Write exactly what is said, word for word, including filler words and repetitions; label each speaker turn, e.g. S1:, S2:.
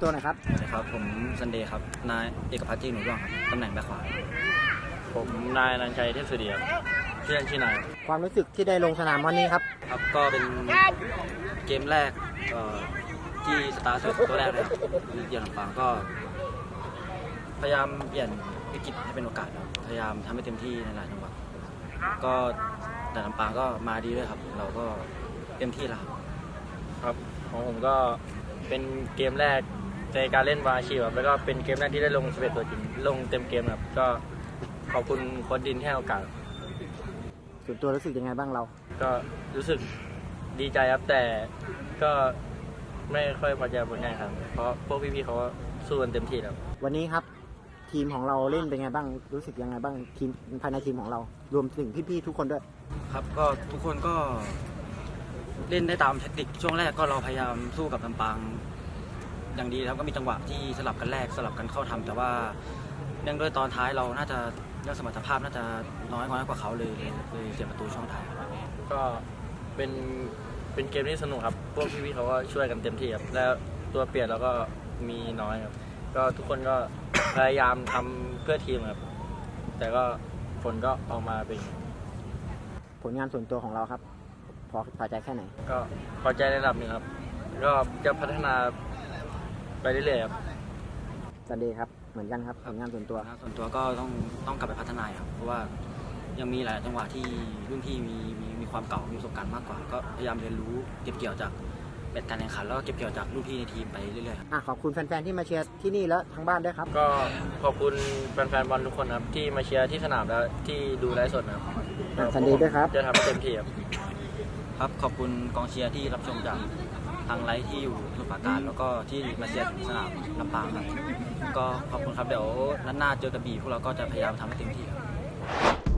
S1: ตัวหน่อยครับ
S2: สวัสดีครับผมซันเดย์ครับนายเอกพัฒน์จีหนูร่วงครับตำแหน่งแบ็คขวา
S3: ผมนายนันชัยเทพสุดีครับชื่อเล่นชื่อนาย
S1: ความรู้สึกที่ได้ลงสนามวันนี้ครับ
S2: ครับก็เป็นเกมแรกเอ่อที่สตาร์ทตัวแรกเลยครับเยือนลำปางก็ พยายามเปลี่ยนวิกฤตให้เป็นโอกาสครับพยายามทำให้เต็มที่ในหลายจังหวะก็แต่ลำปางก็มาดีด้วยครับ เราก็เต็มที่แล้วครับ
S3: ครับของผมก็เป็นเกมแรกในการเล่นวาชีพครับแล้วก็เป็นเกมแรกที่ได้ลงสิบเอ็ดตัวจริงลงเต็มเกมครับก็ขอบคุณโค้ชดินที่ให้โอกาส
S1: ส่วนตัวรู้สึกยังไงบ้างเรา
S3: ก็รู้สึกดีใจครับแต่ก็ไม่ค่อยพอใจผลงานครับเพราะพวกพี่ๆเขาก็สู้กันเต็มที่ครับ
S1: วันนี้ครับทีมของเราเล่นเป็นไงบ้างรู้สึกยังไงบ้างทีมภายในทีมของเรา รวมถึงพี่ๆทุกคนด้วย
S2: ครับก็ทุกคนก็เล่นได้ตามแทคติกช่วงแรกก็เราพยายามสู้กับลำปางอย่างดีครับก็มีจังหวะที่สลับกันแรกสลับกันเข้าทำแต่ว่าเนื่องด้วยตอนท้ายเราน่าจะเรื่องสมรรถภาพน่าจะน้อยน้อยกว่าเขาเลยเลยเสียประตูช่องท้าย
S3: ก็เป็นเป็นเกมที่สนุกครับพวกพี่ๆเขาก็ช่วยกันเต็มที่ครับแล้วตัวเปลี่ยนเราก็มีน้อยครับก็ทุกคนก็ พยายามทำเพื่อทีมครับแต่ก็ผลก็ออกมาเป็น
S1: ผลงานส่วนตัวของเราครับ พอพอใจแค่ไหน
S3: ก็พอใจในระดับหนึ่งครับก็จะพัฒนาไปเรื่อยๆครับ
S1: ซันเดย์ครับเหมือนกันครับผลงานส่วนตัว
S2: ส่วนตัวก็ต้องต้องกลับไปพัฒนาครับเพราะว่ายังมีหลายจังหวะที่รุ่นพี่มีมีมีความเก่ามีประสบการณ์มากกว่า ก็พยายามเรียนรู้เก็บเกี่ยวจากเบ็ดการแข่งขันแล้วก็เก็บเกี่ยวจากรุ่นพี่ในทีมไปเรื่อยๆครับ
S1: อ่ะขอบคุณแฟนๆที่มาเชียร์ที่นี่แล้วทางบ้านด้วยครับ
S3: ก็ขอบคุณแฟนๆบอลทุกคนครับที่มาเชียร์ที่สนามแล้วที่ดูไลฟ์สดนะครับ
S1: อ่ะซันเดย์ด้วยครับ
S3: จะทำให้เต็มที่ครับ
S2: ครับขอบคุณกองเชียร์ที่รับชมจากทางไลฟ์ที่อยู่สมุทรปราการแล้วก็ที่มาเชียร์ถึงสนามลำปางครับก็ขอบคุณครับเดี๋ยวนัดหน้าเจอกระบี่พวกเราก็จะพยายามทำให้เต็มที่ครับ